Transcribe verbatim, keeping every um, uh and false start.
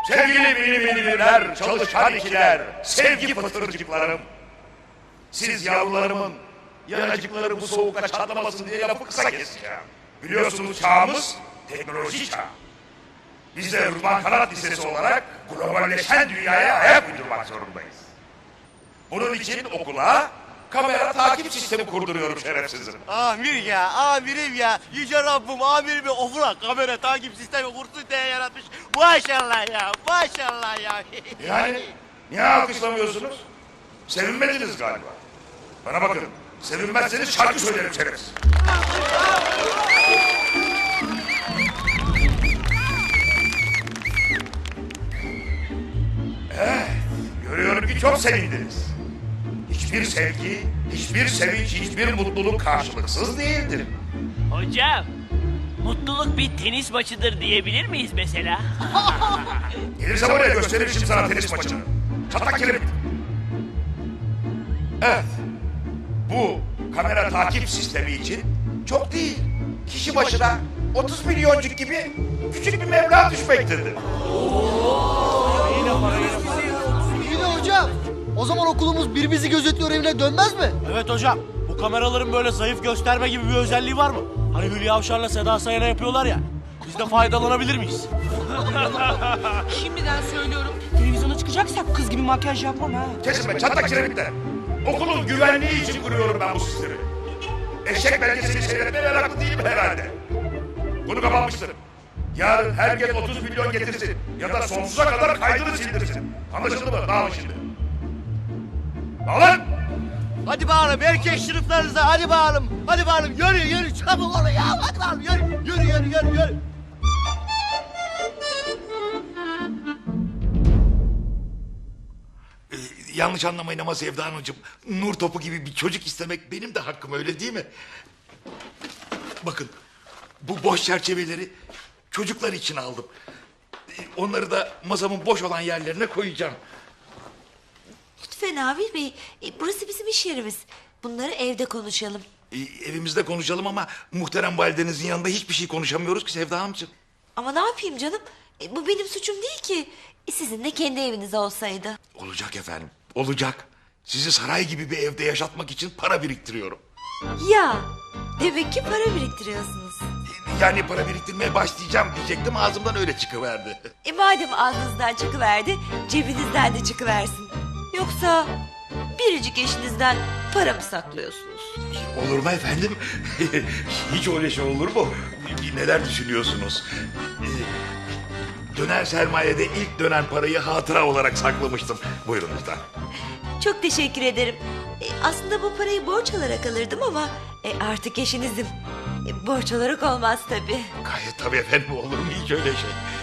Sevgili mini miniler, çalışkan ikiler, sevgi fıtırcıklarım. Siz yavrularımın yanacıkları bu soğukta çatlamasın diye lafı kısa keseceğim. Biliyorsunuz çağımız teknoloji çağı. Biz de Rıdvan Kanat Lisesi olarak globalleşen dünyaya ayak uydurmak zorundayız. Bunun için okula kamera takip sistemi kurduruyorum şerefsizim. Amir ya, amirim ya. Yüce Rabbim amirimi ofura kamera takip sistemi kursun diye yaratmış. Maşallah ya, maşallah ya. Yani niye alkışlamıyorsunuz? Sevinmediniz galiba. Bana bakın, sevinmezseniz şarkı söylerim şerefsiz. Evet, görüyorum ki çok sevindiniz. Hiçbir sevgi, hiçbir sevinç, hiçbir mutluluk karşılıksız değildir. Hocam, mutluluk bir tenis maçıdır diyebilir miyiz mesela? Gelirse buraya gösteririm şimdi sana tenis maçını. Çatlak kelebek. Evet, bu kamera takip sistemi için çok değil. Kişi başına otuz milyoncuk gibi küçük bir meblağ düşmektedir. İyi de hocam. O zaman okulumuz birbirimizi gözetliyor evine dönmez mi? Evet hocam, bu kameraların böyle zayıf gösterme gibi bir özelliği var mı? Hani Hülya Avşar'la Seda Sayan'a yapıyorlar ya. Biz de faydalanabilir miyiz? Şimdiden söylüyorum. Televizyona çıkacaksak kız gibi makyaj yapmam ha. Kesin be çatlak kiremikler. Okulun güvenliği için kuruyorum ben bu sistemi. Eşek belgesini seyretmeye meraklı değilim herhalde. Bunu kapanmıştır. Yarın herkes otuz milyon getirsin ya da sonsuza kadar kaydını sildirsin. Anlaşıldı mı? Dağılın şimdi. Dağılın! Hadi bağırın erkek sınıflarınıza, hadi bağırın. Hadi bağırın, yürü yürü çabuk olun ya. Hadi bağırın, yürü yürü yürü yürü. yürü. Ee, yanlış anlamayın ama Sevda Hanımcığım, nur topu gibi bir çocuk istemek benim de hakkım, öyle değil mi? Bakın, bu boş çerçeveleri çocuklar için aldım. Ee, onları da masamın boş olan yerlerine koyacağım. Lütfen Amir Bey, e, burası bizim iş yerimiz. Bunları evde konuşalım. Ee, evimizde konuşalım ama muhterem validenizin yanında hiçbir şey konuşamıyoruz ki Sevda Hanımcığım. Ama ne yapayım canım? E, bu benim suçum değil ki. E, sizin de kendi eviniz olsaydı. Olacak efendim, olacak. Sizi saray gibi bir evde yaşatmak için para biriktiriyorum. Ya, demek ki para biriktiriyorsunuz. Ee, Yani para biriktirmeye başlayacağım diyecektim, ağzımdan öyle çıkıverdi. E madem ağzınızdan çıkıverdi, cebinizden de çıkıversin. Yoksa biricik eşinizden para mı saklıyorsunuz? Olur mu efendim? Hiç öyle şey olur mu? Neler düşünüyorsunuz? Ee, Döner sermayede ilk dönen parayı hatıra olarak saklamıştım. Buyurun lütfen. Çok teşekkür ederim. E, aslında bu parayı borç alarak alırdım ama e, artık eşinizim. E, borç olarak olmaz tabii. Gayet tabii efendim, olur mu hiç öyle şey?